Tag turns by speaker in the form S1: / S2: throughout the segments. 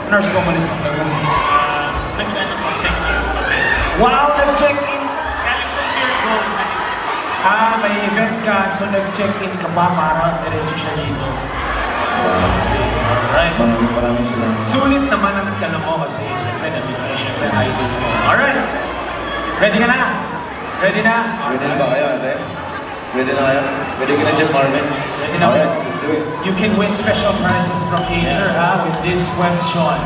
S1: Nurse ko umalis ng gawin.
S2: Nag-ano po, check-in.
S1: Wow, nag-check-in!
S2: Galing po Pure Gold.
S1: May event ka, so nag-check-in ka pa para diretso siya dito. Alright.
S3: Maraming salamat.
S1: Sulit naman ang tanong mo kasi syempre nandito na syempre idol mo. Alright! Ready ka na? Ready na?
S3: Ready na ba kayo, ate? Ready na kayo? Ready ka na dyan, Marvin?
S1: Ready na?
S3: Alright, let's do it.
S1: You can win special prizes from Acer with this question.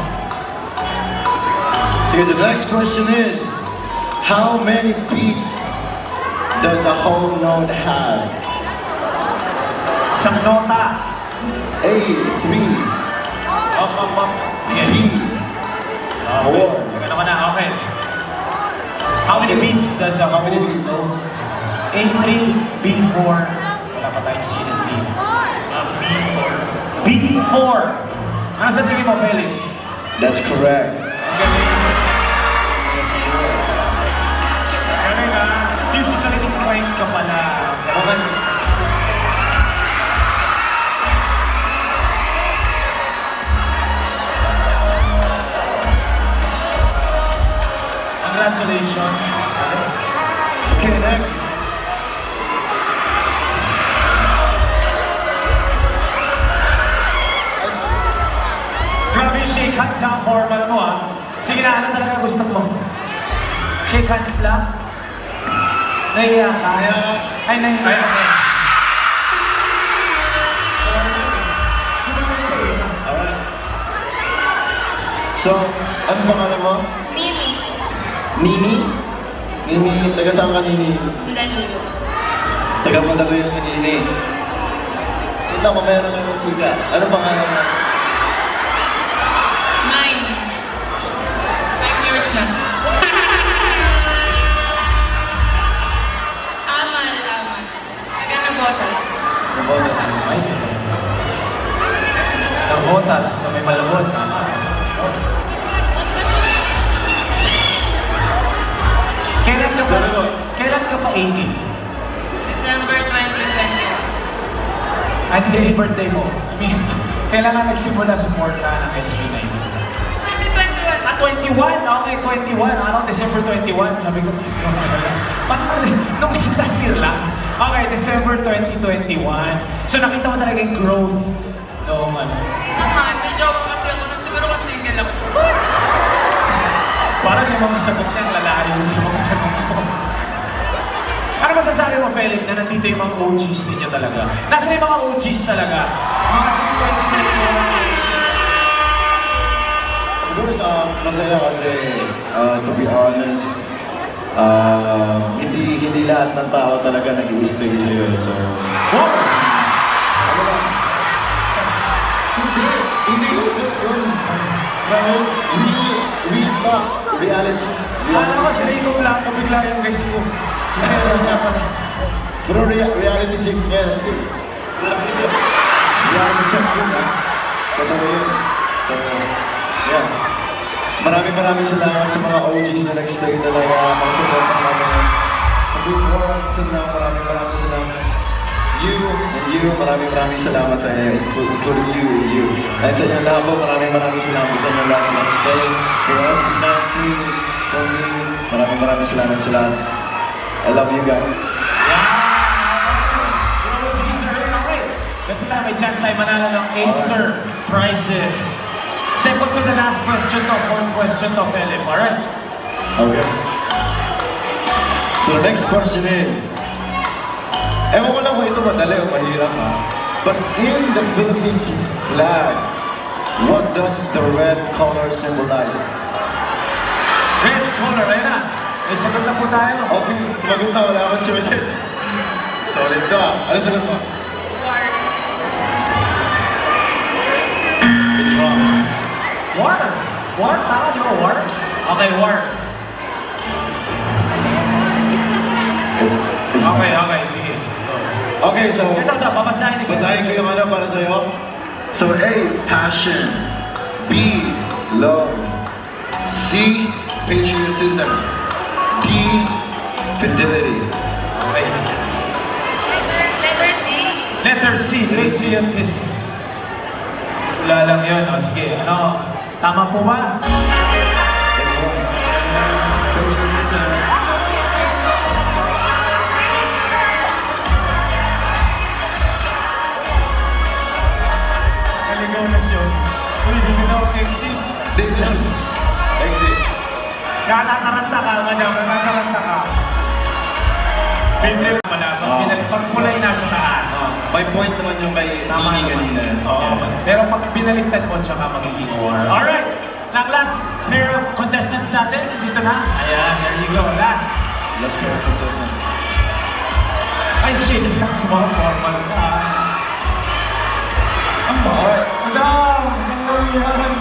S3: So guys, the next question is, how many beats does a whole note have?
S1: Isang nota.
S3: A, 3,
S1: Up.
S3: B,
S1: Okay. Ano ka na? Okay. How many beats does a
S3: How many beats?
S1: A3, B4. Wala pa tayong C and D.
S2: B4.
S1: B4. Ano sa tingin mo, Felix?
S3: That's correct.
S1: Ang galing. Galing ah. Musically inclined ka pala. Okay. Congratulations.
S3: Okay, next.
S1: Grabe yung shake hands ang formal mo ah. Sige na, ano talaga gusto mo? Shake hands lang? Nahiya ka? Ay, nahiya ka.
S3: Alright. So, ano pangalan mo?
S4: Mimi.
S3: Nini? Nini, taga saan ka, Nini?
S4: Danilo.
S3: Taga Mandaluyong si Nini. Wait lang, mamaya na kayo chika. Ano pangalan mo?
S4: Mine. 5 years na. Amal. Taga Nabotas.
S3: Nabotas mo.
S1: Ay, Navotas sa may Malabon. Kailan ka pa 18?
S4: December 2020.
S1: Ano yung birthday mo? I mean, kailan ka nagsimula sa porta ng SB9?
S4: 2021.
S1: 21? Okay, 21. Ano, December 21. Sabi ko, parang nung last year lang. Okay, December 2021. So nakita mo talaga yung growth noong ano.
S4: Hindi naman. May jowa kasi ako nun. Siguro kung single ako.
S1: Parang yung mga sagot niya, lalayo sa mga tanong ko. Ano masasabi mo, Felix, na nandito yung mga OGs ninyo talaga? Nasa yung mga OGs talaga? Mga since 2021.
S3: Of course, masaya kasi, to be honest, hindi lahat ng tao talaga nag-i-stay sa'yo. So,
S1: Wow!
S3: ano lang? Hindi yun. Real talk, reality.
S1: Alam ko siya, ikaw lang, kabigla yung guys ko. Si Felix nga pala.
S3: Pero reality check yan. Reality check yun, ha? Totoo yun. So, yeah. Maraming salamat sa mga OGs na nag-stay talaga. Mga support ng kami. Good work. Maraming salamat. You and you, maraming salamat sa inyo, including you and you. And sa inyo lahat po, maraming salamat sa inyo lahat na nag-stay. For SB19, for me, maraming salamat sa lahat. I love you guys.
S1: Yung OGs na rin, okay. Ganun na, may chance tayo manalo ng Acer prizes. Second to the last question to, fourth question to, Philip, alright?
S3: Okay. So the next question is, ewan ko lang kung ito madali o mahirap ha, but in the Philippine flag, what does the red color symbolize?
S1: Red color, ayun na. May sagot na po tayo.
S3: Okay, sumagot na, wala akong choices. Solid to ah. Ano sagot mo?
S4: War.
S3: It's wrong.
S1: War. War? Tama, di ba war? Okay, war. Okay, sige.
S3: Okay, so,
S1: Ito, babasahin ni
S3: basahin ko yung ano para sa'yo. So A, passion. B, love. C, patriotism. D, fidelity.
S1: Okay.
S4: Letter C.
S1: Letter C, patriotism. Wala lang yun. O, sige, ano? Tama po ba?
S3: Yes, sir.
S1: Naligaw na siya. Uy, hindi na ako exit.
S3: Exit.
S1: Natataranta ka, madam. Natataranta ka. Pinril pala. Pag pulay nasa taas.
S3: May point naman yung kay Tini kanina.
S1: Oo. Pero pag binaligtad mo, tsaka magiging war. Alright! Last pair of contestants natin. Dito na. Ayan, there you go. Last.
S3: Last pair of contestants.
S1: Ay, shit. Small formal ka.
S3: Alright.
S1: Madam! Ano yan?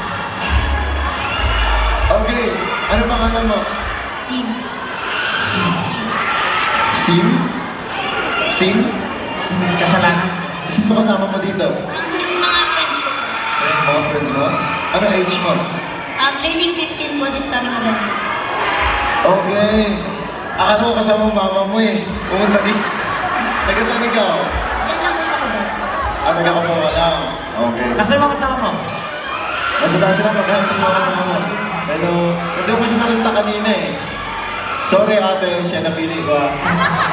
S3: Okay. Ano pangalan mo?
S5: Sim.
S1: Sim.
S3: Sim? Sim?
S1: Kasalanan.
S3: Sino kasama mo dito?
S5: Yung mga friends ko po.
S3: Mga friends mo? Ano age mo?
S5: Turning 15 po this coming November.
S3: Okay. Akala ko kasama ang mama mo eh. Pumunta di. Taga-saan ikaw?
S5: Diyan lang po sa Cubao.
S3: Taga-Cubao ka lang. Okay.
S1: Nasa yung mga kasama mo?
S3: Nasa taas sila mag-hasa sa mga kasama mo. Pero, hindi ko siya nakita kanina eh. Sorry ate, siya napili ko ah.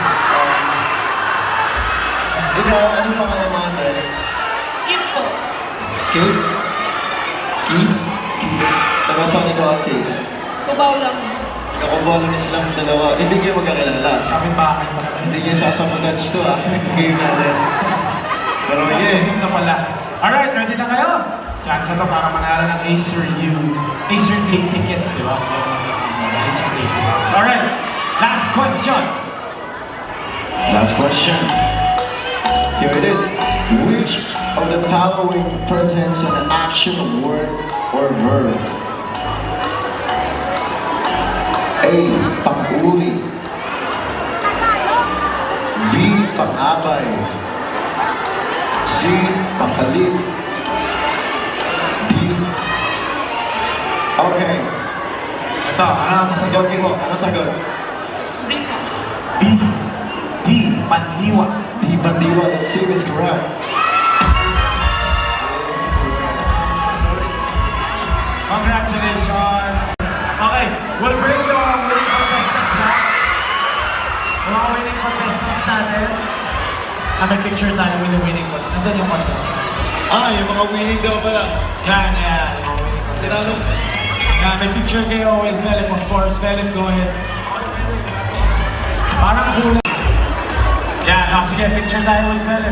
S3: Ikaw, anong pangalan mo ate?
S4: Kit po.
S3: Kate? Kate? Taga-saan ikaw ate?
S4: Kubaw lang.
S3: Nakabalo na silang dalawa. Hindi kayo magkakilala.
S1: Kami bahay pa naman.
S3: Hindi kayo sasamunod to ah. Kayo natin. Pero yes.
S1: Yes, na pala. Alright, ready na kayo? Chance na para manalo ng Acer Day tickets, di ba? Acer Day tickets. Alright, last question.
S3: Last question. Here it is. Which of the following pertains an action, word, or verb? A. Pang-uri. B. Pang-abay. C. Pang-halit. D. Okay.
S1: Ito, anong sagot?
S3: Sagot mo. Ano sagot?
S4: Hindi po.
S1: B. D. Pandiwa.
S3: D. Pandiwa. That C is correct.
S1: Congratulations! Okay, we'll bring the winning contestants back. Yung mga winning contestants natin. May picture tayo with the winning contestants. Nandiyan yung contestants.
S3: Ah, yung mga winning daw pala.
S1: Yan, yung mga winning contestants. Yan, may picture kayo with Philip, of course. Philip, go ahead. Parang kulay. Yan, sige, picture tayo with Philip.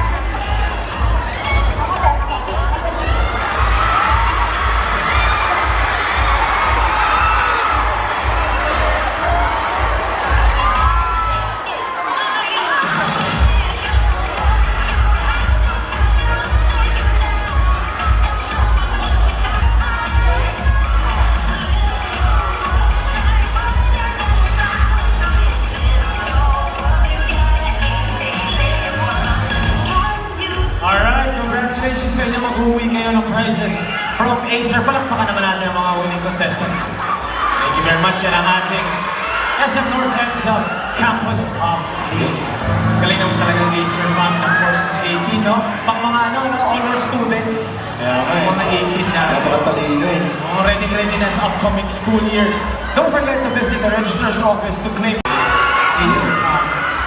S1: Alright, congratulations sa inyo. Mag-uwi kayo ng prizes from Acer. Palakpakan naman natin ang mga winning contestants. Thank you very much. Yan ang ating SM North Exam Campus Pop Quiz. Galing naman talaga ng Acer fan. Of course, 18, no? Pang mga honor students.
S3: Kaya nga eh.
S1: Mga 18 na.
S3: Napakatalino eh.
S1: Ready na sa upcoming school year. Don't forget to visit the registrar's office to claim Acer fan.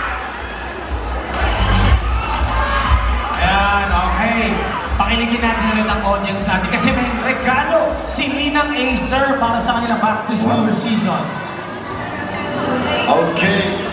S1: Ayan, okay. Pakiligin natin ulit ang audience natin kasi may regalo si Linang Acer para sa kanilang back to school season.
S3: Okay.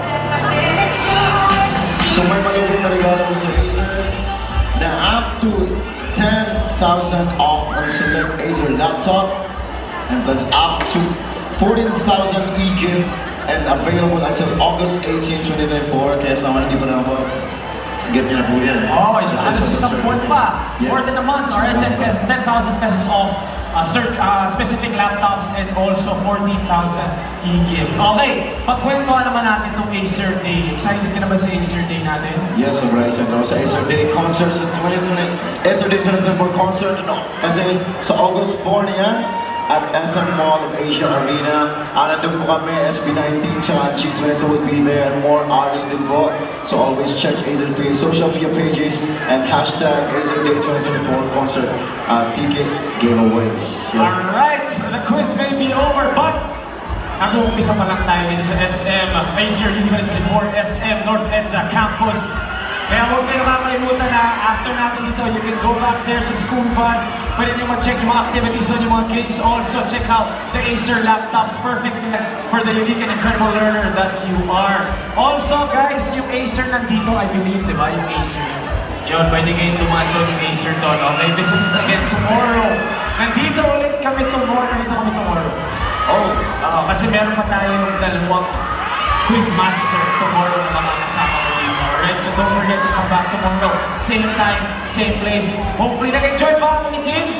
S3: So may malupit na regalo mo sa Acer na up to 10,000 off on select Acer laptop and plus up to 14,000 e-gift and available until August 18, 2024. Kaya sa mga hindi pa na ako, get nyo na po yan.
S1: Oh, ano sa isang buwan pa?
S3: Yes.
S1: More than a month, alright? 10,000 pesos off specific laptops and also 14,000 e-gift. Okay, pagkwentuhan naman natin itong Acer Day. Excited ka na ba sa Acer Day natin?
S3: Yes, sobrang excited ako sa Acer Day concerts in 2020. Acer Day 2024 concert, ano? Kasi sa August 4 na yan, at Anthem Mall of Asia Arena. Nandun po kami, SB19, tsaka G22 will be there, and more artists din po. So always check Acer 3 social media pages and hashtag Acer Day 2024 concert ticket giveaways. Yeah.
S1: Alright, the quiz may be over, but nag-uumpisa pa lang tayo din sa SM Acer Day 2024 SM North EDSA Campus. Kaya huwag kayo kakalimutan na after natin dito, you can go back there sa school bus. Pwede nyo ma-check yung mga activities doon, yung mga games. Also, check out the Acer laptops. Perfect for the unique and incredible learner that you are. Also, guys, yung Acer nandito, I believe, di ba? Yung Acer. Yun, pwede kayong dumaan doon yung Acer doon. Okay, visit us again tomorrow. Nandito ulit kami tomorrow. Nandito kami tomorrow. Oo, kasi meron pa tayong dalawang quiz master tomorrow na makakasama ko dito. Alright, so don't forget to come back tomorrow. Same time, same place. Hopefully nag-enjoy ba ang meeting?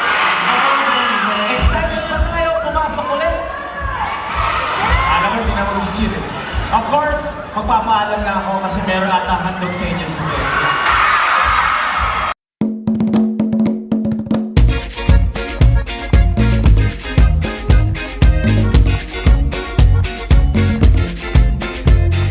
S1: Excited na tayo pumasok ulit? Alam mo, hindi na mag-cheat. Of course, magpapaalam na ako kasi meron ata handog sa inyo sa